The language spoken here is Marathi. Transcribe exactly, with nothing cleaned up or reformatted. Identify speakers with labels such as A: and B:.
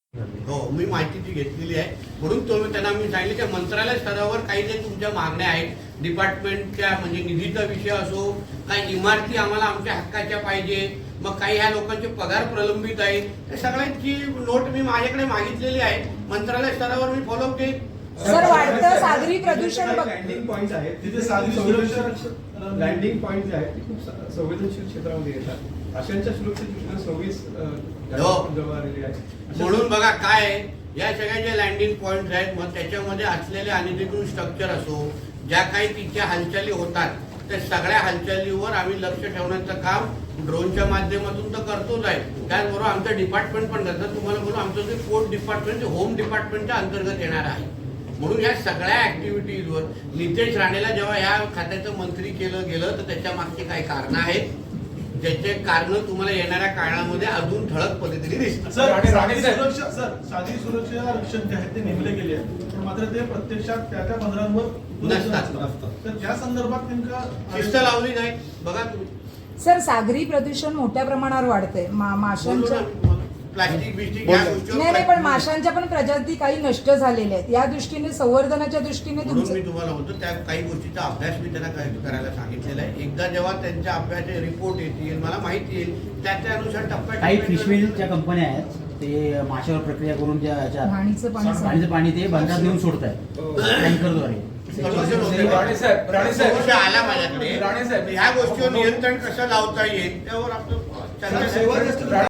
A: हो, मी माहिती ती घेतलेली आहे. म्हणून तो त्यांना मी सांगितलं की मंत्रालय स्तरावर काही जे तुमच्या मागण्या आहेत डिपार्टमेंटच्या, म्हणजे निधीचा विषय असो, काही इमारती आम्हाला आमच्या हक्काच्या पाहिजे, मग काही ह्या लोकांचे पगार प्रलंबित आहेत, त्या सगळ्यांची नोट मी माझ्याकडे मागितलेली आहे. मंत्रालय स्तरावर मी फॉलोअप घेईन.
B: सर, वाढतं सागरी प्रदूषण
C: लँडिंग पॉइंट आहेत तिथे सागरी सुरक्षा लँडिंग पॉइंट जे आहेत ते खूप संवेदनशील क्षेत्रामध्ये येतात. अशांच्या सुरक्षेची दृष्टीने सव्वीस जबाबदारी आहे.
A: म्हणून बघा काय आहे, या सगळ्या ज्या लँडिंग पॉइंट आहेत मग त्याच्यामध्ये असलेले अनधिकृत स्ट्रक्चर असो, ज्या काही तिच्या हालचाली होतात त्या सगळ्या हालचालीवर आम्ही लक्ष ठेवण्याचं काम ड्रोनच्या माध्यमातून तर करतोच आहे. त्याचबरोबर आमचं डिपार्टमेंट पण करतात. तुम्हाला बोलू, आमचं जे पोर्ट डिपार्टमेंट होम डिपार्टमेंटच्या अंतर्गत येणार आहे. म्हणून या सगळ्या ऍक्टिव्हिटीजवर नितेश राणेला जेव्हा या खात्याचं मंत्री केलं गेलं तर त्याच्या मागची काही कारण आहेत, ज्याचे कारण तुम्हाला येणाऱ्या काळामध्ये अजून ठळक पद्धतीने दिसतात.
D: सर, सागरी सुरक्षा सर सागरी सुरक्षा रक्षक जे आहेत ते नेमले गेले आहेत, पण मात्र ते प्रत्यक्षात त्या त्या बंदरांवर
A: नसतात.
D: तर त्या संदर्भात नेमका
A: शिस्त लावली नाही. बघा तुम्ही,
B: सर, सागरी प्रदूषण मोठ्या प्रमाणावर वाढतंय. मा- माशांच्या
A: प्लास्टिक बिस्टिक या गोष्टीवर
B: नाही नाही पण माशांच्या पण प्रजाती काही नष्ट झालेल्या आहेत. या दृष्टीने संवर्धनाच्या दृष्टीने
A: म्हणून
B: तुमचं
A: मी तुम्हाला म्हणतो त्या काही गोष्टीचा अभ्यास मी त्यांना करायला सांगितलेला आहे. एकदा जेव्हा त्यांच्या अभ्यासाचे रिपोर्ट येतील, मला माहिती येईल, त्या त्यानुसार टप्प्या
E: काही फिशमिलच्या कंपन्या आहेत ते माशावर प्रक्रिया करून ज्या
B: घाणीचं पाणी
E: पाणीचं पाणी ते बंदरात नेऊन सोडत आहेत टँकरद्वारे.
A: आला माझ्याकडे ह्या गोष्टीवर नियंत्रण कसं लावता येईल त्यावर आपलं चर्चा